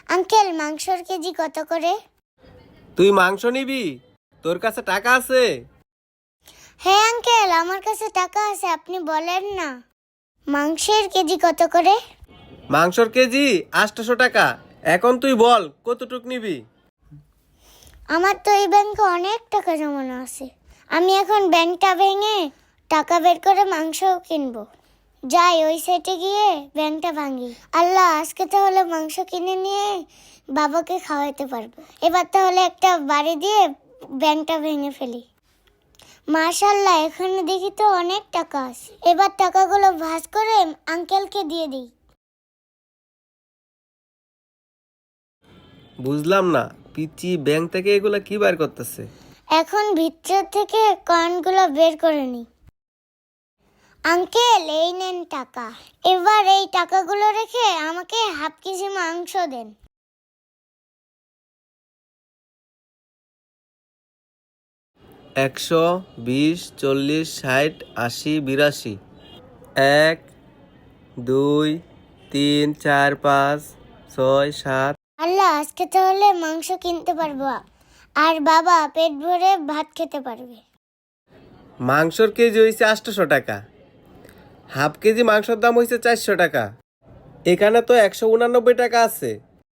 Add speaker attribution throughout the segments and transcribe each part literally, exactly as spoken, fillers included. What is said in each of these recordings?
Speaker 1: Uncle মাংসর KG কত করে?
Speaker 2: তুই মাংস নিবি? তোর কাছে টাকা আছে?
Speaker 1: হ্যাঁ আঙ্কেল, আমার কাছে টাকা আছে, আপনি বলেন না। মাংসের কেজি কত করে?
Speaker 2: মাংসর কেজি আটশো টাকা। এখন তুই বল কতটুক নিবি?
Speaker 1: আমার তো এই ব্যাংকে অনেক টাকা জমানো আছে। আমি এখন ব্যাংকটা ভেঙে টাকা বের করে মাংসও কিনবো। যাই ওই সাইডে গিয়ে ব্যাংকটা ভাঙি। আল্লাহ, আজকে তাহলে মাংস কিনে নিয়ে বাবাকে খাওয়াতে পারবো। এবার তাহলে একটা বাড়ি দিয়ে ব্যাংকটা ভেঙে ফেলি। মাশাআল্লাহ, এখানে দেখি তো অনেক টাকা আছে। এবার টাকাগুলো ভাঁজ করে আঙ্কেলকে দিয়ে দিই।
Speaker 2: বুঝলাম না, পিচি ব্যাংক থেকে এগুলা কি বার করতেছে?
Speaker 1: এখন ভিতর থেকে কয়েনগুলো বের করে নিই। আঙ্কেল, এই নেন টাকা। এবার এই টাকাগুলো রেখে আমাকে হাফ কেজি মাংস দেন।
Speaker 2: একশো, বিশ, চল্লিশ, ষাট, আশি, বিরাশি। এক, দুই, তিন, চার, পাঁচ, ছয়, সাত।
Speaker 1: আল্লাহ, আজকে তাহলে মাংস কিনতে পারবো আর বাবা পেট ভরে ভাত খেতে পারবে।
Speaker 2: মাংসর কেজি হয়েছে আটশো টাকা, হাফ কেজি মাংসের দাম হয়েছে চারশো টাকা। এখানে তো একশো উনানব্বই টাকা আছে।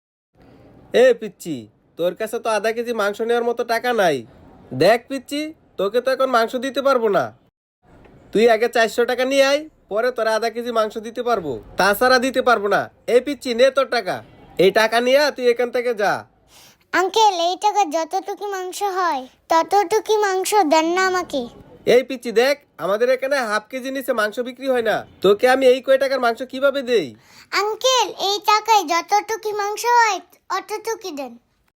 Speaker 2: এ পিচ্ছি, তোর কাছে তো আধা কেজি মাংস নেওয়ার মতো টাকা নাই। দেখ পিচ্ছি, তোকে তো এখন মাংস দিতে পারবো না। তুই আগে চারশো টাকা নিয়ে আয়, পরে তোরা আধা কেজি মাংস দিতে পারবো, তাছাড়া দিতে পারবো না। এই পিচ্ছি, নে তোর টাকা। এই টাকা নিয়ে তুই এখান থেকে যা।
Speaker 1: আঙ্কেল, এই টাকা যতটুকু মাংস হয় ততটুকু মাংস দেন না আমাকে।
Speaker 2: এই পিচ্ছি দেখ, আমাদের এখানে হাফ কেজি নিচে মাংস বিক্রি হয় না। তোকে আমি এই কয় টাকার মাংস কিভাবে দেই?
Speaker 1: আঙ্কেল, এই টাকায় যতটুকু মাংস হয় অতটুকু দেন।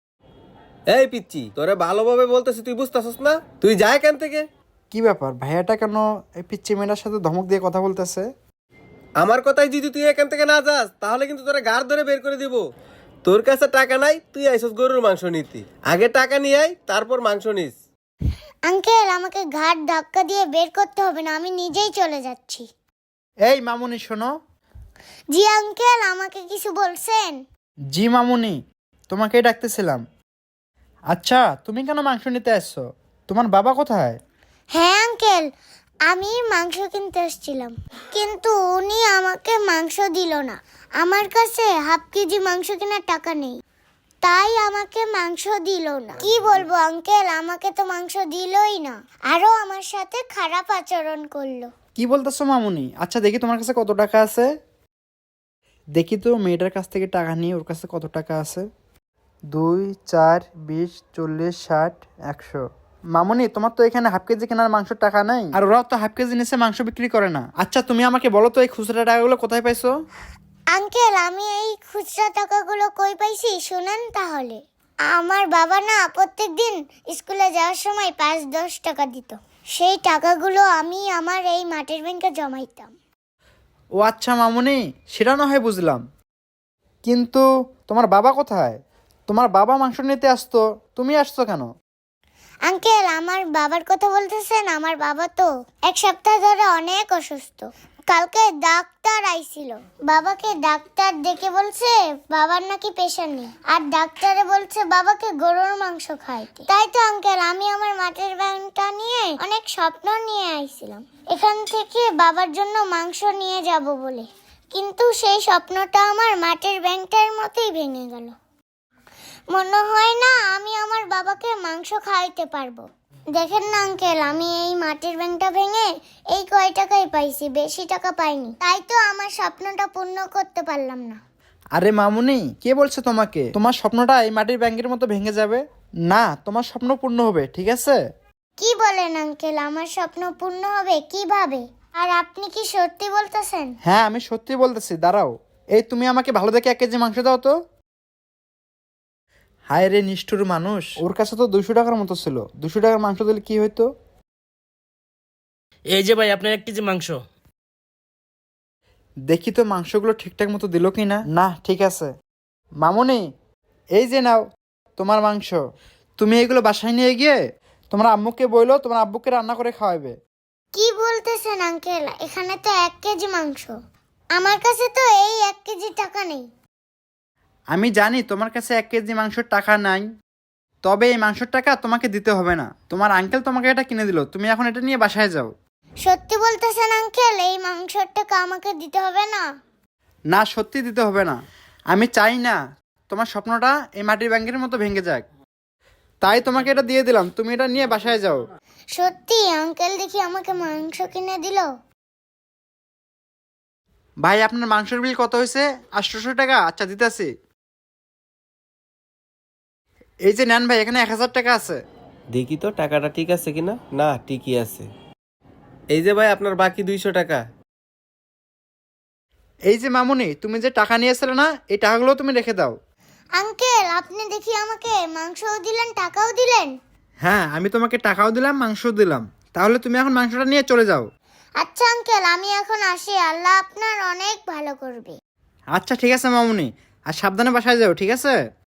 Speaker 2: এই পিচ্ছি, তোরে ভালোভাবে বলতেছি, তুই বুঝতেছস না? তুই যা এখান থেকে।
Speaker 3: কি ব্যাপার, ভাইয়াটা কেন এই পিচ্চি মেয়েটার সাথে ধমক দিয়ে কথা বলতেছে?
Speaker 2: আমার কথাই যদি তুই এখান থেকে না যাস, তাহলে কিন্তু তোরা গাড় ধরে বের করে দিব। তোর কাছে টাকা নাই, তুই আইসস গরুর মাংস নিতি। আগে টাকা নিয়ে আয়, তারপর মাংস নিস।
Speaker 1: আঙ্কেল, আমাকে ঘাট ধাক্কা দিয়ে বের করতে হবে না, আমি নিজেই চলে যাচ্ছি।
Speaker 3: এই মামুনি শোনো।
Speaker 1: জি আঙ্কেল, আমাকে কিছু বলছেন?
Speaker 3: জি মামুনি, তোমাকেই ডাকতেছিলাম। আচ্ছা, তুমি কেন মাংস নিতে আসছো? তোমার বাবা কোথায়?
Speaker 1: হ্যাঁ আঙ্কেল, আমি মাংস কিনতে এসেছিলাম, কিন্তু উনি আমাকে মাংস দিল না। আমার কাছে হাফ কেজি মাংস কেনার টাকা নেই, তাই আমাকে মাংস দিল না। কি বলবো আঙ্কেল, আমাকে তো মাংস দিলই না, আরো আমার সাথে খারাপ আচরণ করলো।
Speaker 3: কি বলতেছো মামুনি? আচ্ছা দেখি তোমার কাছে কত টাকা আছে। দেখি তো মেয়েটার কাছ থেকে টাকা নিয়ে ওর কাছে কত টাকা আছে। দুই, চার, বিশ, চল্লিশ, ষাট, একশো। মামুনি, তোমার তো এখানে হাফ কেজি কেনার মাংসের টাকা নাই, আর ওরাও তো হাফ কেজি নিচে মাংস বিক্রি করে না। আচ্ছা তুমি আমাকে বলো তো, এই খুচরা টাকাগুলো কোথায় পাইছো?
Speaker 1: আঙ্কেল, আমি এই খুচরা টাকাগুলো কই পাইছি শুনেন তাহলে। আমার বাবা না প্রত্যেক দিন স্কুলে যাওয়ার সময় পাঁচ দশ টাকা দিত, সেই টাকাগুলো আমি আমার এই মাটির ব্যাংকে জমাইতাম।
Speaker 3: ও আচ্ছা মামুনি, সেটা না হয় বুঝলাম, কিন্তু তোমার বাবা কোথায়? তোমার বাবা মাংস নিতে আসতো, তুমি আসছো কেন?
Speaker 1: আঙ্কেল, আমার বাবার কথা বলতেছেন? আমার বাবা তো এক সপ্তাহ ধরে অনেক অসুস্থ। কালকে ডাক্তার আইছিল, বাবাকে ডাক্তার ডেকে বলছে বাবার নাকি প্রেশার নেই, আর ডাক্তারে বলছে বাবাকে গরুর মাংস খাইতে। তাই তো আঙ্কেল, আমি আমার মাটির ব্যাংকটা নিয়ে অনেক স্বপ্ন নিয়ে আইছিলাম এখান থেকে বাবার জন্য মাংস নিয়ে যাব বলে, কিন্তু সেই স্বপ্নটা আমার মাটির ব্যাংকটার মতোই ভেঙে গেল। মনে হয় না আমি আমার বাবাকে মাংস খাওয়াইতে পারবো। দেখেন না আঙ্কেল, আমি এই মাটির ব্যাংকটা ভেঙে এই কয় টাকাই পাইছি, বেশি টাকা পাইনি, তাই তো আমার স্বপ্নটা পূর্ণ করতে পারলাম না।
Speaker 3: আরে মামুনি, কে বলছে তোমাকে তোমার স্বপ্নটা এই মাটির ব্যাংকের মতো ভেঙে যাবে? না, তোমার স্বপ্ন পূর্ণ হবে, ঠিক আছে?
Speaker 1: কি বলেন আঙ্কেল, আমার স্বপ্ন পূর্ণ হবে কিভাবে? আর আপনি কি সত্যি বলতেছেন?
Speaker 3: হ্যাঁ, আমি সত্যি বলতেছি, দাঁড়াও। এই তুমি আমাকে ভালো দেখে এক কেজি মাংস দাও তো। হায় রে নিষ্ঠুর মানুষ, ওর কাছে তো দুশো টাকার মতো ছিল, দুশো টাকার মাংস দিলে কি হইতো?
Speaker 4: এই যে ভাই, আপনার এক কেজি মাংস।
Speaker 3: দেখি তো মাংসগুলো ঠিকঠাক মতো দিল কি না। না, ঠিক আছে। মামুনি, এই যে নাও তোমার মাংস। তুমি এগুলো বাসায় নিয়ে গিয়ে তোমার আম্মুকে বইলো তোমার আব্বুকে রান্না করে খাওয়াবে।
Speaker 1: কি বলতেছেন আঙ্কেল, এখানে তো এক কেজি মাংস, আমার কাছে তো এই এক কেজি টাকা নেই।
Speaker 3: আমি জানি তোমার কাছে এক কেজি মাংসের টাকা নাই, তবে এই মাংসের টাকা তোমাকে দিতে হবে না। তোমার আঙ্কেল তোমাকে এটা কিনে দিল, তুমি এখন এটা নিয়ে বাসায় যাও।
Speaker 1: সত্যি বলতেছেন আঙ্কেল, এই মাংসের টাকা আমাকে দিতে হবে না?
Speaker 3: না, সত্যি দিতে হবে না। আমি চাই না তোমার স্বপ্নটা এই মাটির ব্যাংকের মতো ভেঙে যাক, তাই তোমাকে এটা দিয়ে দিলাম, তুমি এটা নিয়ে বাসায় যাও।
Speaker 1: সত্যি আঙ্কেল দেখি আমাকে মাংস কিনে দিল।
Speaker 3: ভাই, আপনার মাংসের বিল কত হয়েছে? আটশোশো টাকা। আচ্ছা, দিতেছি। এই যে নেন ভাই, এখানে এক হাজার টাকা আছে।
Speaker 2: দেখি তো টাকাটা ঠিক আছে কিনা। না, ঠিকই আছে। এই যে ভাই আপনার বাকি দুইশো টাকা।
Speaker 3: এই যে মামুনি, তুমি যে টাকা নিয়েছিলে না, এই টাকাগুলো তুমি রেখে দাও।
Speaker 1: আঙ্কেল আপনি দেখি আমাকে মাংসও দিলেন টাকাও দিলেন।
Speaker 3: হ্যাঁ, আমি তোমাকে টাকাও দিলাম, মাংসও দিলাম। তাহলে তুমি এখন মাংসটা নিয়ে চলে যাও।
Speaker 1: আচ্ছা আঙ্কেল, আমি এখন আসি, আল্লাহ আপনার অনেক ভালো করবে।
Speaker 3: আচ্ছা ঠিক আছে মামুনি, আর সাবধানে বাসায় যাও, ঠিক আছে?